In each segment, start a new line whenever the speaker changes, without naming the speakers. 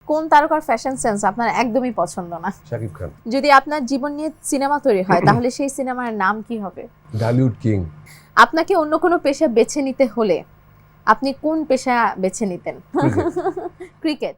কোন তারকার fashion sense আপনার একদমই পছন্দ না?
শাকিব খান।
যদি আপনার জীবন নিয়ে সিনেমা তৈরি হয় তাহলে সেই সিনেমার নাম কি হবে?
ঢালিউড কিং।
আপনাকে অন্য কোনো পেশা বেছে নিতে হলে আপনি কোন পেশা বেছে নিতেন? ক্রিকেট।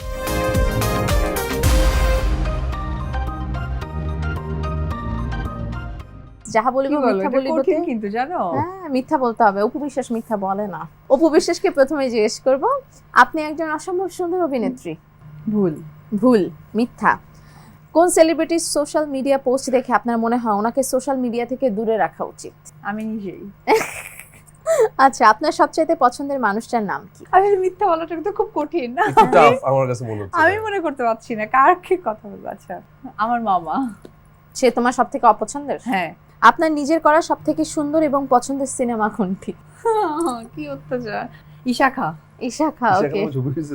যাহা বলিব মিথ্যা বলিব
কিন্তু জানো
হ্যাঁ মিথ্যা বলতে হবে। অপু বিশ্বাস মিথ্যা বলে না। অপু বিশ্বাসকে প্রথমে জিজ্ঞেস করব, আপনি একজন অসম্ভব সুন্দর অভিনেত্রী।
ভুল।
ভুল, মিথ্যা। কোন সেলিব্রিটির সোশ্যাল মিডিয়া পোস্ট দেখে আপনার মনে হয় ওনাকে সোশ্যাল মিডিয়া থেকে দূরে রাখা উচিত?
আমি নিজেই।
আচ্ছা, আপনার সবচাইতে পছন্দের মানুষটার নাম কি?
আসলে মিথ্যা বলাটা তো খুব কঠিন না।
একটু টাফ আমার কাছে মনে হচ্ছে।
আমি মনে করতে পারছি না কার কি কথা বলবো। আচ্ছা, আমার মামা।
সে তোমার সবথেকে অপছন্দের?
হ্যাঁ।
আপনার নিজের করা সবথেকে সুন্দর এবং পছন্দের সিনেমা কোনটি?
কি অত্যাচার। ইশাখা।
ইশাখা। ওকে।
সেখানে ছবি হয়েছিল।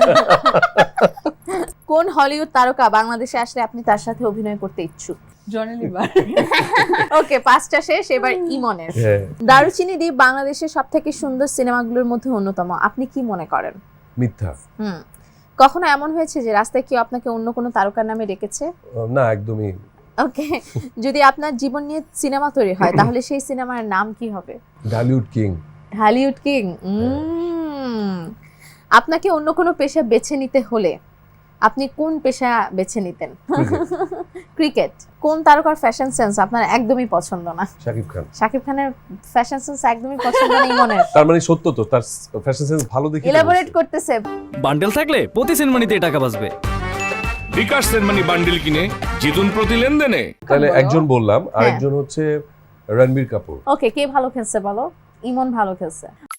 কোন হলিউড তারকা বাংলাদেশে আসলে আপনি তার সাথে অভিনয় করতে ইচ্ছুক?
Johnny liver.
ওকে, পাঁচটা শেষ, এবার ইমনের।
হ্যাঁ।
দারুচিনি দ্বীপ বাংলাদেশের সবথেকে সুন্দর সিনেমাগুলোর মধ্যে অন্যতম, আপনি কি মনে করেন?
মিথ্যা।
কখনো এমন হয়েছে যে রাস্তায় কেউ আপনাকে অন্য কোনো তারকার নামে ডেকেছে?
না, একদমই।
ওকে, যদি আপনার জীবন নিয়ে সিনেমা তৈরি হয় তাহলে সেই সিনেমার নাম কি হবে?
ঢালিউড কিং।
Hollywood king. আপনাকে অন্য কোনো পেশা বেছে নিতে হলে আপনি কোন পেশা বেছে নিতেন? ক্রিকেট। কোন তারকার ফ্যাশন সেন্স আপনার একদমই পছন্দ না?
শাকিব খান।
শাকিব খানের ফ্যাশন সেন্স একদমই পছন্দ না ইমনের?
তার মানে সত্য তো, তার ফ্যাশন সেন্স ভালো দেখে
ইলাবোরেট করতেছে।
বান্ডেল থাকলে প্রতি সিনেমানিতে টাকা বাঁচবে।
বিকাশ সেনমানি বান্ডিল কিনে জিতুন প্রতি লেনদেনে।
তাহলে একজন বললাম, আরেকজন হচ্ছে রণবীর কাপুর।
ওকে, কে ভালো খেলছে বলো? ইমন ভালো খেলছে।